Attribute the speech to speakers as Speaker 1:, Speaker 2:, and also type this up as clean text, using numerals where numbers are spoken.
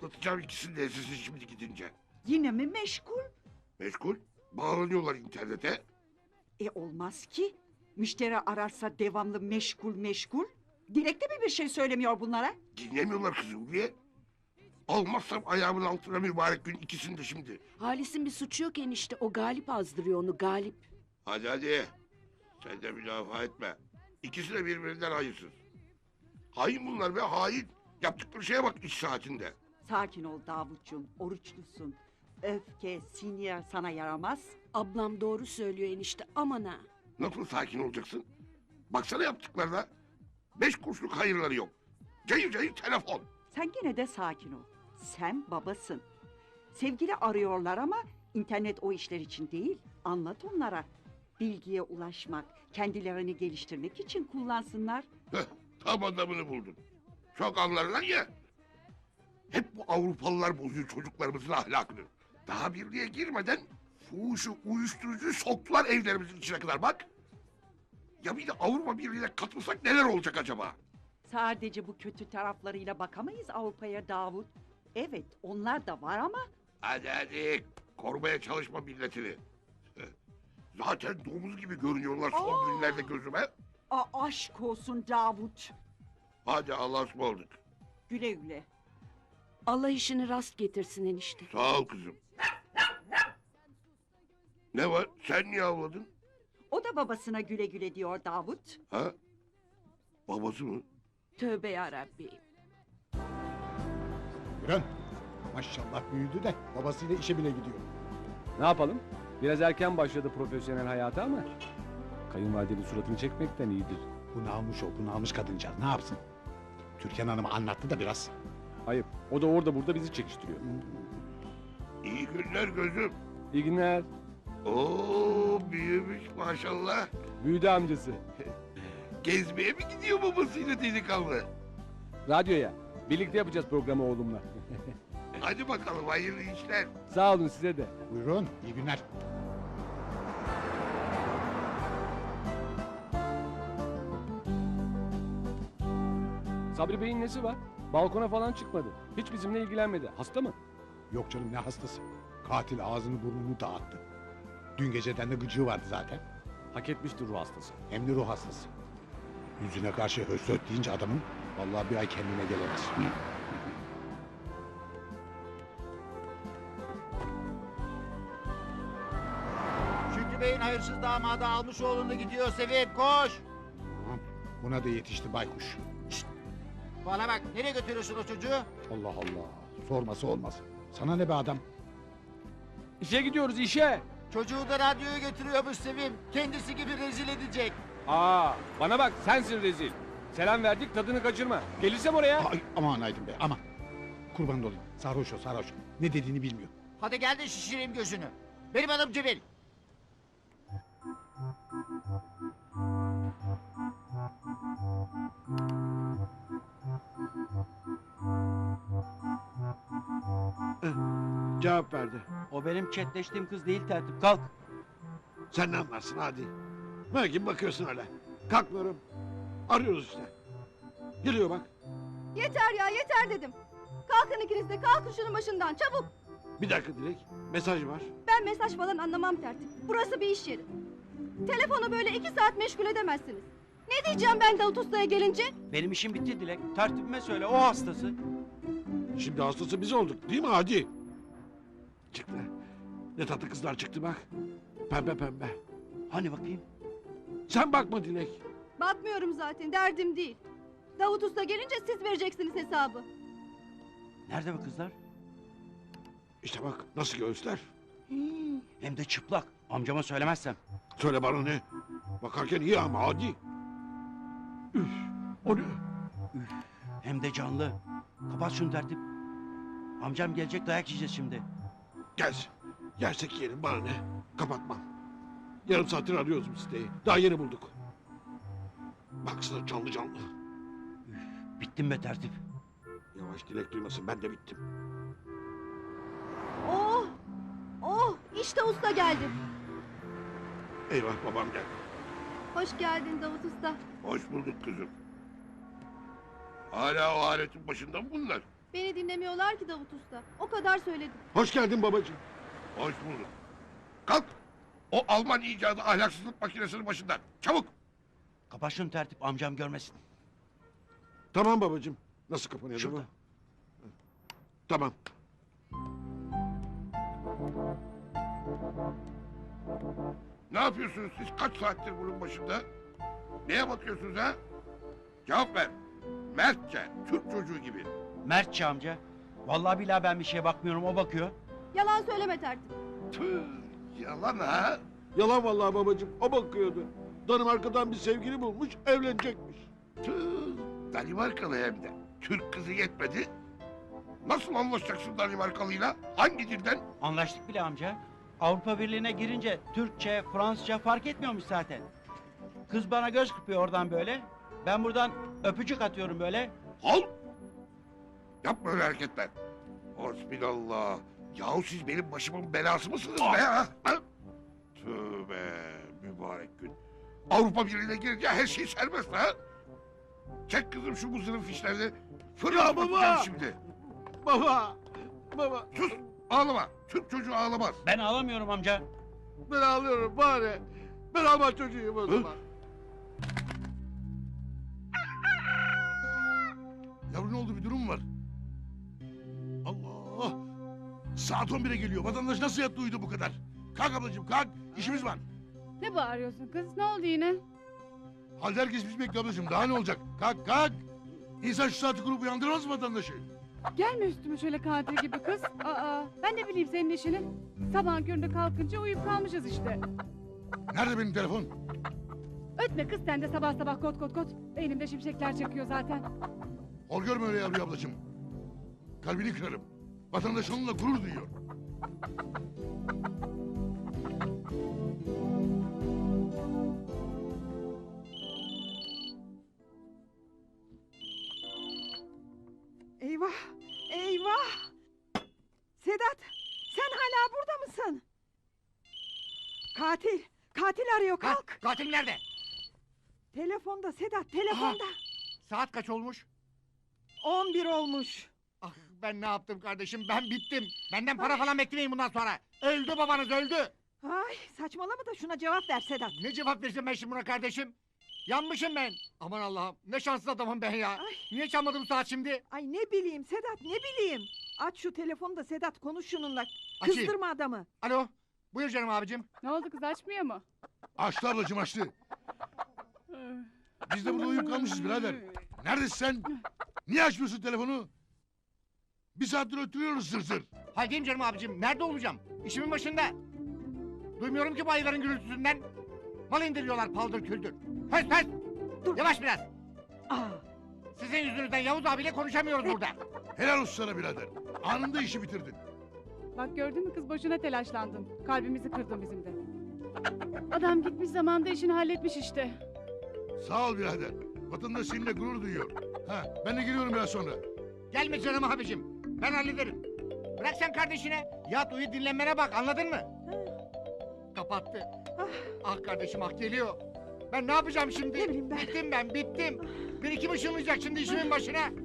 Speaker 1: Patlatacağım ikisini de sizi şimdi gidince.
Speaker 2: Yine mi meşgul?
Speaker 1: Meşgul. Bağlanıyorlar internete.
Speaker 2: Olmaz ki. Müşteri ararsa devamlı meşgul meşgul. Dilekte mi bir şey söylemiyor bunlara?
Speaker 1: Dinlemiyorlar kızı Ulviye. Almazsam ayağımın altına mübarek gün ikisini de şimdi.
Speaker 3: Halis'in bir suçu yok enişte. O Galip azdırıyor onu, Galip.
Speaker 1: Hadi hadi. Sen de müdafaa etme. İkisi de birbirinden hayırsız. Hain bunlar be hain. Yaptıkları şeye bak iş saatinde.
Speaker 2: Sakin ol Davutcuğum, oruçlusun. Öfke, sinir sana yaramaz.
Speaker 3: Ablam doğru söylüyor enişte, aman ha.
Speaker 1: Nasıl sakin olacaksın? Baksana yaptıklarına. 5 kuruşluk hayırları yok. Cayır cayır telefon.
Speaker 2: Sen gene de sakin ol. Sen babasın. Sevgili arıyorlar ama internet o işler için değil. Anlat onlara. Bilgiye ulaşmak, kendilerini geliştirmek için kullansınlar.
Speaker 1: Heh, tam adamını buldun. Çok anlarlar ya. Hep bu Avrupalılar bozuyor çocuklarımızın ahlakını. Daha birliğe girmeden fuhuşu, uyuşturucuyu soktular evlerimizin içine kadar bak. Ya bir de Avrupa Birliği'ne katılsak neler olacak acaba?
Speaker 2: Sadece bu kötü taraflarıyla bakamayız Avrupa'ya Davut. Evet, onlar da var ama
Speaker 1: Hadi hadi korumaya çalışma milletini. Zaten domuz gibi görünüyorlar son günlerde gözüme.
Speaker 2: aşk olsun Davut.
Speaker 1: Hadi Allah'a ısmarladık.
Speaker 2: Güle güle.
Speaker 3: Allah işini rast getirsin enişte.
Speaker 1: Sağ ol kızım. Ne var? Sen niye avladın?
Speaker 2: O da babasına güle güle diyor Davut.
Speaker 1: Ha? Babası mı?
Speaker 3: Tövbe yarabbi.
Speaker 4: Gören maşallah büyüdü de babasıyla işe bile gidiyor.
Speaker 5: Ne yapalım? Biraz erken başladı profesyonel hayata ama kayınvalidenin suratını çekmekten iyidir.
Speaker 4: Bunalmış kadıncağız ne yapsın? Türkan Hanım anlattı da biraz.
Speaker 5: Ayıp. O da orada burada bizi çekiştiriyor.
Speaker 1: İyi günler gözüm.
Speaker 5: İyi günler.
Speaker 1: Oo büyümüş maşallah.
Speaker 5: Büyüdü amcası.
Speaker 1: Gezmeye mi gidiyor babasıyla delikanlı?
Speaker 5: Radyoya. Birlikte yapacağız programı oğlumla.
Speaker 1: Hadi bakalım hayırlı işler.
Speaker 5: Sağ olun size de.
Speaker 4: Buyurun iyi günler.
Speaker 5: Sabri Bey'in nesi var? Balkona falan çıkmadı. Hiç bizimle ilgilenmedi. Hasta mı?
Speaker 4: Yok canım ne hastası. Katil ağzını burnunu dağıttı. Dün geceden de gıcığı vardı zaten.
Speaker 5: Hak etmiştir ruh hastası.
Speaker 4: Hem de ruh hastası. Yüzüne karşı höstöt deyince adamın vallahi bir ay kendine gelemez.
Speaker 6: Şükrü Bey'in hayırsız damadı almış oğlunu gidiyor Sevim koş.
Speaker 4: Tamam. Buna da yetişti baykuş.
Speaker 6: Bana bak nereye götürüyorsun o çocuğu?
Speaker 4: Allah Allah. Sorması olmaz. Sana ne be adam?
Speaker 5: İşe gidiyoruz işe.
Speaker 6: Çocuğu da radyoya götürüyormuş Sevim. Kendisi gibi rezil edecek.
Speaker 5: Bana bak sensin rezil. Selam verdik tadını kaçırma. Gelirsem oraya.
Speaker 4: Ay, aman Aydın Bey aman. Kurban olayım. Sarhoş o sarhoş. Ne dediğini bilmiyor.
Speaker 6: Hadi gel de şişireyim gözünü. Benim adım Cemil.
Speaker 7: Cevap verdi.
Speaker 8: O benim chatleştiğim kız değil tertip. Kalk.
Speaker 7: Sen ne anlarsın hadi. Belki bakıyorsun öyle. Kalkmıyorum. Arıyoruz işte. Geliyor bak.
Speaker 9: Yeter ya yeter dedim. Kalkın ikiniz de kalkın şunun başından çabuk.
Speaker 7: Bir dakika Dilek. Mesaj var.
Speaker 9: Ben mesaj falan anlamam tertip. Burası bir iş yeri. Telefonu böyle 2 saat meşgul edemezsiniz. Ne diyeceğim ben Davut Usta'ya gelince?
Speaker 8: Benim işim bitti Dilek. Tertibime söyle o hastası.
Speaker 7: Şimdi hastası biz olduk değil mi hadi? Çıktı. Ne tatlı kızlar çıktı bak. Pembe pembe.
Speaker 8: Hani bakayım?
Speaker 7: Sen bakma Dilek.
Speaker 9: Bakmıyorum zaten derdim değil. Davut Usta gelince siz vereceksiniz hesabı.
Speaker 8: Nerede bu kızlar?
Speaker 7: İşte bak nasıl göğüsler.
Speaker 8: Hem de çıplak. Amcama söylemezsem.
Speaker 7: Söyle bana ne? Bakarken iyi ama hadi. Üf, o ne?
Speaker 8: Hem de canlı. Kapat şunu tertip. Amcam gelecek dayak yiyeceğiz şimdi.
Speaker 7: Gelsin. Yersek yiyelim bana ne? Kapatmam. Yarım saattir arıyoruz bu siteyi. Daha yeni bulduk. Baksana canlı canlı.
Speaker 8: Bittim be tertip.
Speaker 7: Yavaş Dilek duymasın ben de bittim.
Speaker 9: Oh! Oh! İşte usta geldi.
Speaker 7: Eyvah babam geldi.
Speaker 9: Hoş geldin Davut Usta.
Speaker 1: Hoş bulduk kızım. Hala o aletin başında mı bunlar?
Speaker 9: Beni dinlemiyorlar ki Davut Usta. O kadar söyledim.
Speaker 7: Hoş geldin babacığım.
Speaker 1: Hoş bulduk. Kalk. O Alman icadı ahlaksızlık makinesinin başından. Çabuk.
Speaker 8: Kapat şunu tertip, amcam görmesin.
Speaker 7: Tamam babacığım. Nasıl kapanıyor
Speaker 8: Şurada.
Speaker 7: bu? Tamam.
Speaker 1: Ne yapıyorsunuz siz? Kaç saattir bunun başında? Neye bakıyorsunuz ha? Cevap ver. Mertçe, Türk çocuğu gibi.
Speaker 8: Mertçe amca. Vallahi billahi ben bir şeye bakmıyorum, o bakıyor.
Speaker 9: Yalan söyleme tertip.
Speaker 1: Tüh, yalan ha.
Speaker 7: Yalan vallahi babacığım. O bakıyordu. Danimarka'dan bir sevgili bulmuş, evlenecekmiş.
Speaker 1: Tüh, Danimarkalı hem de. Türk kızı yetmedi. Nasıl anlaşacaksın Danimarkalıyla? Hangi dilden?
Speaker 8: Anlaştık bile amca. Avrupa Birliği'ne girince Türkçe, Fransızca fark etmiyormuş zaten. Kız bana göz kırpıyor oradan böyle. Ben buradan öpücük atıyorum böyle.
Speaker 1: Al! Yapma öyle hareketler. Hasbinallah. Yahu siz benim başımın belası mısınız be ha? Ha? Tövbe mübarek gün. Avrupa Birliği'ne girince her şey serbest ha? Çek kızım şu muzırın fişlerini. Fırlat
Speaker 7: baba!
Speaker 1: bakacağım şimdi.
Speaker 7: Baba! Baba!
Speaker 1: Sus! Ağlama. Türk çocuğu ağlamaz.
Speaker 8: Ben ağlamıyorum amca.
Speaker 7: Ben ağlıyorum bari. Ben Alman çocuğuyum o zaman.
Speaker 1: Yavrum ne oldu, bir durum mu var? Allah! Saat 11'e geliyor. Vatandaş nasıl yattı uyudu bu kadar? Kalk ablacığım kalk. İşimiz var.
Speaker 9: Ne bağırıyorsun kız? Ne oldu yine?
Speaker 1: Halde herkes bizi bekliyor ablacığım. Daha ne olacak? Kalk kalk. İnsan şu saati kurup uyandırmaz mı vatandaşı?
Speaker 9: Gelme üstüme şöyle katil gibi kız. Aa, ben de bileyim senin işini. Sabahın köründe kalkınca uyuyup kalmışız işte.
Speaker 1: Nerede benim telefon?
Speaker 9: Ötme kız sen de sabah sabah kot kot kot. Beynimde şimşekler çakıyor zaten.
Speaker 1: Hor görme öyle yavru ablacığım. Kalbini kırarım. Vatandaş onunla gurur duyuyor.
Speaker 2: Eyvah! Eyvah! Sedat, sen hala burada mısın? Katil! Katil arıyor, kalk!
Speaker 6: Katil nerede?
Speaker 2: Telefonda Sedat, telefonda.
Speaker 6: Saat kaç olmuş?
Speaker 2: 11 olmuş.
Speaker 6: Ah ben ne yaptım kardeşim? Ben bittim. Benden para falan beklemeyin bundan sonra. Öldü babanız öldü.
Speaker 2: Ay, saçmalama da şuna cevap ver Sedat.
Speaker 6: Ne cevap vereceğim ben şimdi buna kardeşim? Yanmışım ben. Aman Allah'ım ne şanssız adamım ben ya.
Speaker 2: Ay.
Speaker 6: Niye çalmadım saat şimdi?
Speaker 2: Ay ne bileyim Sedat, ne bileyim. Aç şu telefonu da Sedat, konuş şununla.
Speaker 6: Açayım.
Speaker 2: Kızdırma adamı.
Speaker 6: Alo. Buyur canım abicim.
Speaker 9: Ne oldu kız açmıyor mu?
Speaker 1: Açtı ablacığım açtı. Biz de burada uyuyup kalmışız birader. Neredesin sen? Niye açmıyorsun telefonu? Bir saattir ötürüyoruz zır zır.
Speaker 6: Haldeyim canım abicim. Nerede olacağım? İşimin başında. Duymuyorum ki bu ayıların gürültüsünden. Mal indiriyorlar paldır küldür. Höst höst.
Speaker 2: Dur.
Speaker 6: Yavaş biraz.
Speaker 2: Aa,
Speaker 6: Sizin yüzünüzden Yavuz abiyle konuşamıyoruz burada.
Speaker 1: Helal olsun sana birader. Anında işi bitirdin.
Speaker 9: Bak gördün mü kız boşuna telaşlandın. Kalbimizi kırdın bizim de. Adam gitmiş zamanda işini halletmiş işte.
Speaker 1: Sağ ol birader. Vatandaş seninle gurur duyuyor. Ha, ben de geliyorum biraz sonra.
Speaker 6: Gelme canım abicim. Ben hallederim. Bırak sen kardeşine. Yat uyu dinlenmene bak anladın mı? Kapattı. Ah kardeşim ah geliyor. Ben ne yapacağım şimdi?
Speaker 2: Ne bileyim ben.
Speaker 6: Bittim ben bittim. Bir iki ışınlayacak şimdi işimin başına.